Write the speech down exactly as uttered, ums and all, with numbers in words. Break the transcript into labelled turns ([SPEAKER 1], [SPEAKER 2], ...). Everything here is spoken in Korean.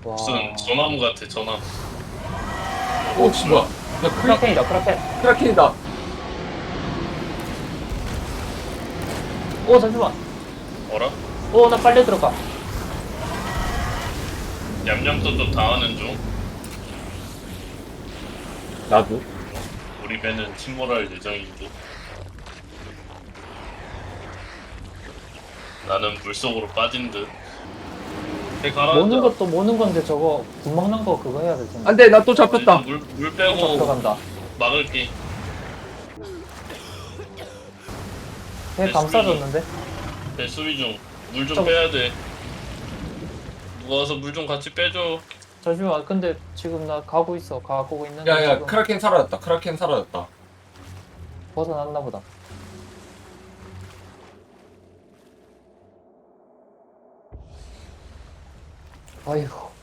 [SPEAKER 1] 와.
[SPEAKER 2] 무슨 전나무 같아 전나무.
[SPEAKER 3] 오, 씨, 뭐야. 야, 크라,
[SPEAKER 1] 크라켄이다, 크라켄.
[SPEAKER 3] 크라켄이다.
[SPEAKER 1] 오, 잠시만.
[SPEAKER 2] 어라?
[SPEAKER 1] 오, 나 빨리 들어가.
[SPEAKER 2] 얌얌도 당하는 중.
[SPEAKER 3] 나도.
[SPEAKER 2] 우리 배는 침몰할 예정인데. 나는 물속으로 빠진 듯. 배 가라앉아.
[SPEAKER 1] 모는 것도 모는 건데 저거 군 먹는 거 그거 해야 될 텐데.
[SPEAKER 3] 안 돼, 나 또 잡혔다.
[SPEAKER 2] 물, 물
[SPEAKER 1] 또
[SPEAKER 2] 빼고
[SPEAKER 1] 들어간다.
[SPEAKER 2] 막을게.
[SPEAKER 1] 배 감싸줬는데?
[SPEAKER 2] 배 수리 중. 물 좀
[SPEAKER 1] 저거-
[SPEAKER 2] 빼야 돼. 누가 와서 물 좀 같이 빼줘.
[SPEAKER 1] 잠시만, 근데 지금 나 가고 있어. 가고 있는데
[SPEAKER 3] 야, 야,
[SPEAKER 1] 지금
[SPEAKER 3] 크라켄 사라졌다. 크라켄 사라졌다.
[SPEAKER 1] 벗어났나 보다. 아이고.